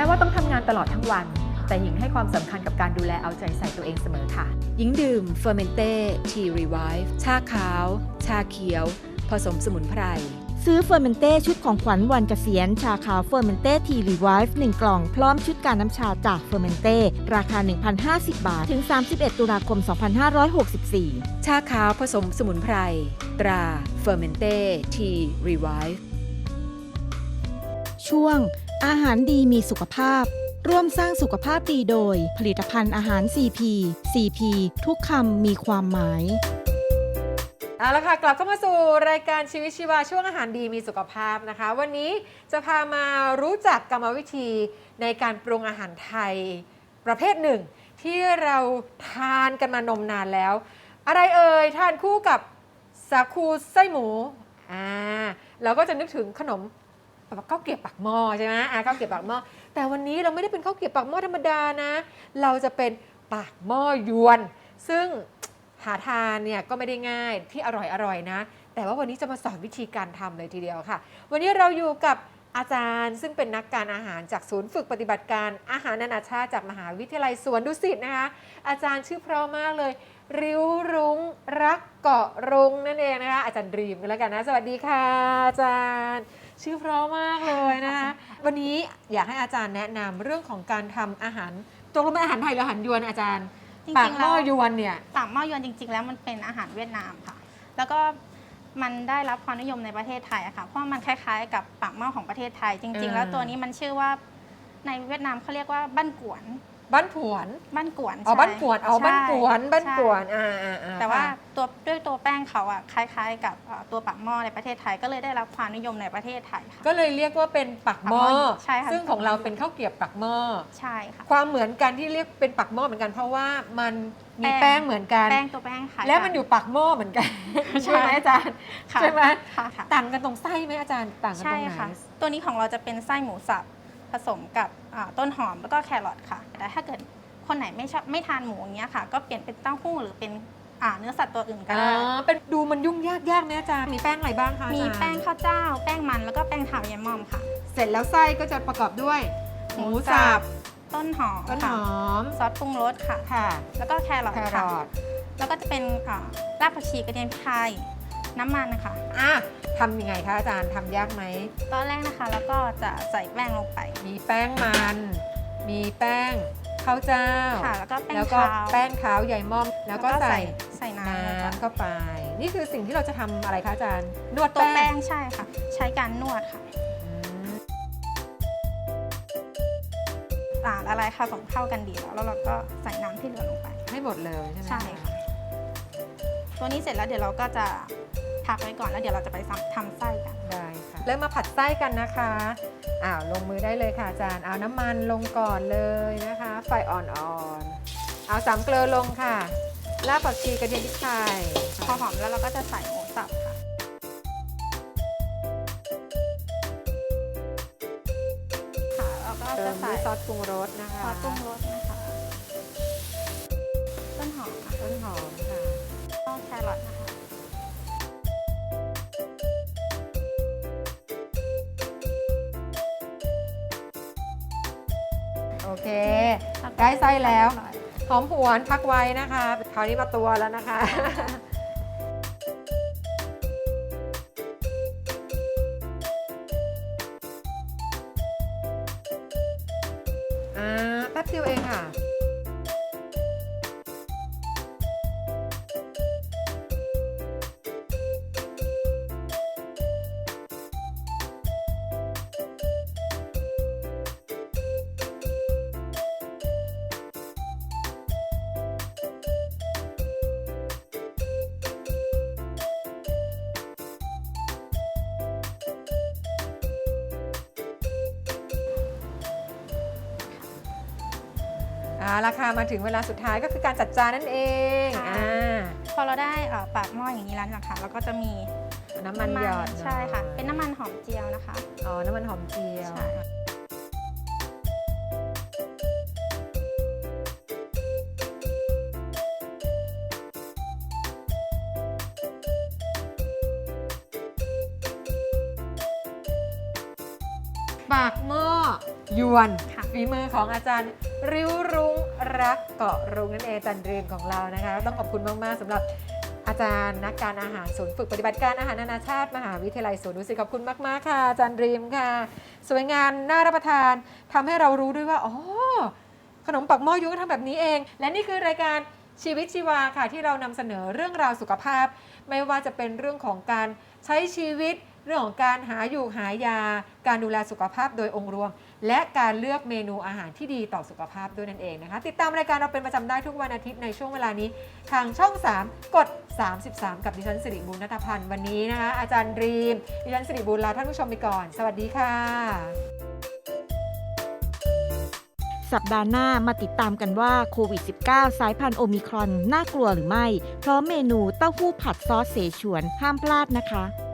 ว่าต้องทำงานตลอดทั้งวันแต่หญิงให้ความสำคัญกับการดูแลเอาใจใส่ตัวเองเสมอค่ะหญิงดื่มเฟอร์เมนเต้ทีรีไวฟ์ชาขาว ชาเขียว ผสมสมุนไพรซื้อเฟอร์เมนเต้ชุดของขวัญวันเกษียณชาขาวเฟอร์เมนเต้ทีรีไวฟ์1กล่องพร้อมชุดการน้ำชาจากเฟอร์เมนเต้ราคา 1,050 บาทถึง31ตุลาคม2564 ชาขาวผสมสมุนไพรตราเฟอร์เมนเต้ทีรีไวฟ์ช่วงอาหารดีมีสุขภาพร่วมสร้างสุขภาพดีโดยผลิตภัณฑ์อาหาร CP CP ทุกคำมีความหมายเอาละค่ะกลับเข้ามาสู่รายการชีวิตชีวาช่วงอาหารดีมีสุขภาพนะคะวันนี้จะพามารู้จักกรรมวิธีในการปรุงอาหารไทยประเภทหนึ่งที่เราทานกันมานมนานแล้วอะไรเอ่ยทานคู่กับสาคูไส้หมูเราก็จะนึกถึงขนมข้าวเกรียบปากหม้อใช่ไหมข้าวเกรียบปากหม้อแต่วันนี้เราไม่ได้เป็นข้าวเกรียบปากหม้อธรรมดานะเราจะเป็นปากหม้อยวนซึ่งหาทานเนี่ยก็ไม่ได้ง่ายที่อร่อยนะแต่ว่าวันนี้จะมาสอนวิธีการทำเลยทีเดียวค่ะวันนี้เราอยู่กับอาจารย์ซึ่งเป็นนักการอาหารจากศูนย์ฝึกปฏิบัติการอาหารนานาชาติจากมหาวิทยาลัยสวนดุสิตนะคะอาจารย์ชื่อเพราะมากเลยริ้วรุ้งรักเกาะรุ้งนั่นเองนะคะอาจารย์ดรีมกันแล้วกันนะสวัสดีค่ะอาจารย์ชื่อเพราะมากเลยนะคะวันนี้อยากให้อาจารย์แนะนำเรื่องของการทำอาหารตกลงเป็นอาหารไทยหรืออาหารยวนอาจารย์ปากหม้อยวนเนี่ยปากหม้อยวนจริงๆแล้วมันเป็นอาหารเวียดนามค่ะแล้วก็มันได้รับความนิยมในประเทศไทยอะค่ะเพราะมันคล้ายๆกับปากหม้อของประเทศไทยจริงๆแล้วตัวนี้มันชื่อว่าในเวียดนามเขาเรียกว่าบ้านกวนบ้านผวนบ้านกวนบ้านกวนบ้านกวนบ้านกวนแต่ว่าด้วยตัวแป้งเขาอะคล้ายๆกับตัวปากหม้อในประเทศไทยก็เลยได้รับความนิยมในประเทศไทยค่ะก็เลยเรียกว่าเป็นปากหม้อใช่ค่ะซึ่งของเราเป็นข้าวเกรียบปากหม้อใช่ค่ะความเหมือนกันที่เรียกเป็นปากหม้อเหมือนกันเพราะว่ามันมีแป้งเหมือนกันตัวแป้งค่ะและมันอยู่ปากหม้อเหมือนกันใช่ไหมอาจารย์ใช่ไหมต่างกันตรงไส้ไหมอาจารย์ต่างกันตรงไหนตัวนี้ของเราจะเป็นไส้หมูสับผสมกับต้นหอมแล้วก็แครอทค่ะแต่ถ้าเกิดคนไหนไม่ทานหมูอย่างเงี้ยค่ะก็เปลี่ยนเป็นเต้าหู้หรือเป็นเนื้อสัตว์ตัวอื่นก็ได้เป็นดูมันยุ่งยากไหมอาจารย์มีแป้งอะไรบ้างคะมีแป้งข้าวเจ้าแป้งมันแล้วก็แป้งเถาเยมอมค่ะเสร็จแล้วไส้ก็จะประกอบด้วยหมูสับต้นหอมซอสปรุงรสค่ะแล้วก็แครอทแล้วก็จะเป็นรากผักชีกระเทียมพริกไทยน้ำมันนะคะทำยังไงคะอาจารย์ทำยากไหมตอนแรกนะคะแล้วก็จะใส่แป้งลงไปมีแป้งมันมีแป้งข้าวเจ้าแล้วก็แป้งขาวใหญ่ม่อมแล้วก็ใส่น้ำเข้าไปนี่คือสิ่งที่เราจะทำอะไรคะอาจารย์นวดตัวแป้งใช่ค่ะใช้การนวดค่ะละลายผสมเข้ากันดีแล้วเราก็ใส่น้ำที่เหลือลงไปให้หมดเลยใช่ไหมใช่ค่ะตัวนี้เสร็จแล้วเดี๋ยวเราก็จะพักไว้ก่อนแล้วเดี๋ยวเราจะไปทำไส้กันได้ค่ะเริ่มมาผัดไส้กันนะคะลงมือได้เลยค่ะอาจารย์เอาน้ำมันลงก่อนเลยนะคะไฟอ่อนๆเอา3 เกลือลงค่ะรากผักชีกระเทียมพริกไทยพอหอมแล้วเราก็จะใส่หมูสับค่ะแล้วก็จะใส่ซอสปรุงรสนะคะซอสปรุงรสนะคะต้นหอมค่ะก็แครอทนะคะโอเคได้ไส้แล้วหอมหวนพักไว้นะคะคราวนี้มาตัวแล้วนะคะแป๊บเดียวเองค่ะราคามาถึงเวลาสุดท้ายก็คือการจัดจานนั่นเองพอเราได้ปากหม้ออย่างนี้แล้วนะคะเราก็จะมีน้ำมันหยอดใช่ค่ะเป็นน้ำมันหอมเจียวนะคะน้ำมันหอมเจียวปากหม้อยวนค่ะฝีมือของอาจารย์ริ้วรุ้งรักเกาะรุ้งนั่นเองอาจารย์เรียมของเรานะคะต้องขอบคุณมากๆสำหรับอาจารย์นักการอาหารศูนย์ฝึกปฏิบัติการอาหารนานาชาติมหาวิทยาลัยสวนดุสิตขอบคุณมากๆค่ะอาจารย์เรียมค่ะ สวยงามน่ารับประทานทำให้เรารู้ด้วยว่าอ๋อขนมปักหม้อยวนก็ทำแบบนี้เอง และนี่คือรายการชีวิตชีวาค่ะที่เรานำเสนอเรื่องราวสุขภาพ ไม่ว่าจะเป็นเรื่องของการใช้ชีวิต เรื่องของการหาอยู่หายา การดูแลสุขภาพโดยองค์รวม และการเลือกเมนูอาหารที่ดีต่อสุขภาพด้วยนั่นเองนะคะ ติดตามรายการเราเป็นประจำได้ทุกวันอาทิตย์ในช่วงเวลานี้ ทางช่อง 3 กด 33 กับดิฉันสิริบูรณัฐพันธ์วันนี้นะคะ อาจารย์ดรีมดิฉันสิริบูรณ์ลาท่านผู้ชมไปก่อน สวัสดีค่ะสัปดาห์หน้ามาติดตามกันว่าโควิด -19 สายพันธุ์โอมิครอนน่ากลัวหรือไม่ เพราะเมนูเต้าหู้ผัดซอสเสฉวนห้ามพลาดนะคะ